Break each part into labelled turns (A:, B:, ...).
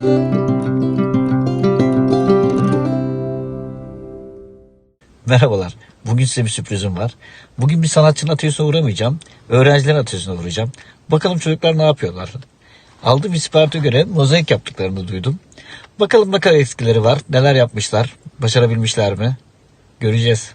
A: Merhabalar. Bugün size bir sürprizim var. Bugün bir sanatçının atölyesine uğramayacağım. Öğrencilerin atölyesine uğrayacağım. Bakalım çocuklar ne yapıyorlar? Aldığım isparta göre mozaik yaptıklarını duydum. Bakalım ne kadar eskileri var, neler yapmışlar, başarabilmişler mi? Göreceğiz.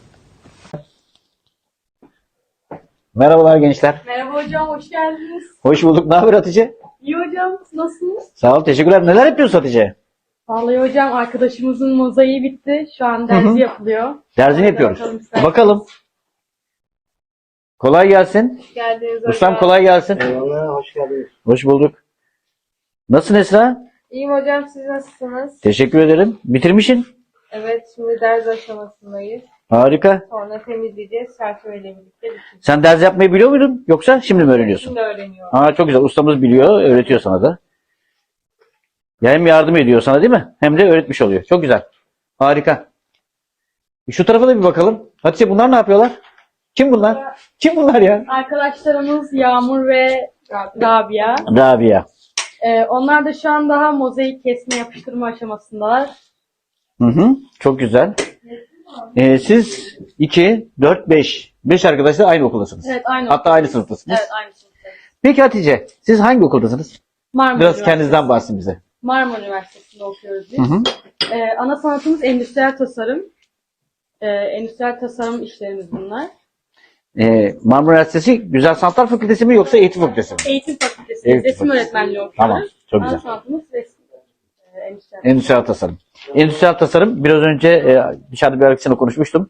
A: Merhabalar gençler.
B: Merhaba hocam, hoş geldiniz.
A: Hoş bulduk. Ne haber Hatice?
B: İyi hocam, nasılsınız?
A: Sağ ol, teşekkürler. Neler yapıyorsun Hatice?
B: Vallahi hocam arkadaşımızın mozaiği bitti. Şu an derzi yapılıyor.
A: Derzini
B: Hadi
A: yapıyoruz.
B: bakalım isterseniz.
A: Bakalım. Kolay gelsin.
B: Hoş geldiniz hocam.
A: Ustam kolay gelsin.
C: Eyvallah, hoş geldiniz.
A: Hoş bulduk. Nasılsın Esra?
D: İyiyim hocam, siz nasılsınız?
A: Teşekkür ederim. Bitirmişsin.
D: Evet, şimdi ders aşamasındayız.
A: Harika.
D: Sonra temizleyeceğiz, çerçeveyle birlikte bitireceğiz.
A: Sen ders yapmayı biliyor muydun? Yoksa şimdi mi öğreniyorsun?
D: Şimdi öğreniyorum.
A: Aa, çok güzel. Ustamız biliyor, öğretiyor sana da. Ya hem yardım ediyor sana değil mi? Hem de öğretmiş oluyor. Çok güzel. Harika. Şu tarafa da bir bakalım. Hatice bunlar ne yapıyorlar? Kim bunlar? Kim bunlar ya?
B: Arkadaşlarımız Yağmur ve Rabia.
A: Rabia.
B: Onlar da şu an daha mozaik kesme yapıştırma aşamasındalar.
A: Hı hı. Çok güzel. Siz 2, 4, 5. 5 arkadaşlar aynı okuldasınız.
B: Evet, aynı
A: Hatta aynı sınıftasınız.
B: Evet, aynı sınıftayız.
A: Peki Hatice, siz hangi okuldasınız?
B: Marmara
A: Biraz
B: Üniversitesi.
A: kendinizden bahsedin bize.
B: Marmara Üniversitesi'nde okuyoruz biz.
A: Hı hı.
B: Ana sanatımız endüstriyel tasarım. Endüstriyel tasarım işlerimiz bunlar.
A: Marmara Üniversitesi Güzel Sanatlar Fakültesi mi yoksa Eğitim Fakültesi mi?
B: Eğitim fakültesi,
A: Eğitim
B: resim
A: fakültesi.
B: öğretmenliği okuyoruz.
A: Tamam, çok
B: Ana
A: güzel.
B: sanatımız resim. Endüstriyel.
A: Endüstriyel tasarım. Endüstriyel tasarım biraz önce dışarıda bir arkadaşımla konuşmuştum.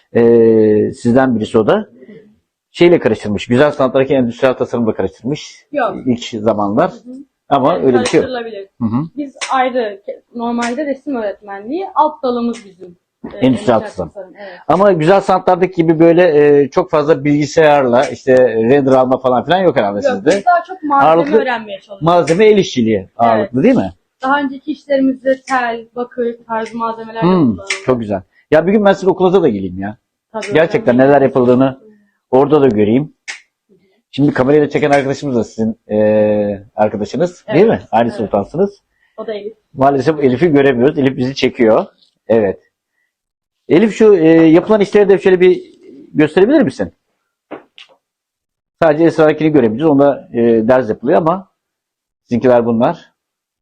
A: Sizden birisi o da. Şeyle karıştırmış. Güzel sanatlardaki endüstriyel tasarımla karıştırmış.
B: Yok.
A: İlk zamanlar. Ama öyle bir şey yok.
B: Karıştırılabilir.
A: Hı hı.
B: Biz ayrı, normalde resim öğretmenliği, alt dalımız bizim.
A: Endüstriyel tasarım.
B: Evet.
A: Ama güzel sanatlardaki gibi böyle çok fazla bilgisayarla işte render alma falan filan yok herhalde
B: Yok,
A: sizde.
B: biz daha çok malzeme
A: Ağırlıklı
B: öğrenmeye çalışıyoruz.
A: Malzeme el işçiliği ağırlıklı değil mi?
B: Daha önceki işlerimizde tel, bakır tarzı malzemeler kullanıyoruz.
A: Çok güzel. Ya bir gün ben sizin okulunuza da geleyim ya.
B: Tabii
A: Gerçekten
B: hocam.
A: neler yapıldığını orada da göreyim. Şimdi kamerayla çeken arkadaşımız da sizin arkadaşınız değil mi? Aynı
B: evet.
A: sultansınız.
B: O da Elif.
A: Maalesef Elif'i göremiyoruz. Elif bizi çekiyor. Evet. Elif şu yapılan işleri de şöyle bir gösterebilir misin? Sadece Esra'kini görebiliriz. Onda ders yapılıyor ama sizinkiler bunlar.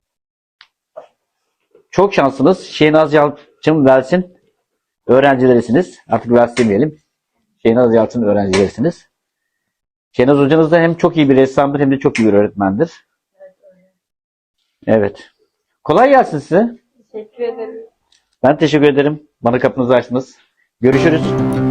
A: Çok şanslısınız. Şehnaz Yalçın Vels'in öğrencilerisiniz. Artık Vels demeyelim. Şehnaz Yalçın öğrencilerisiniz. Şehnaz hocanız da hem çok iyi bir ressamdır hem de çok iyi bir öğretmendir. Evet. Kolay gelsin size.
D: Teşekkür ederim.
A: Ben teşekkür ederim. Bana kapınızı açtınız. Görüşürüz.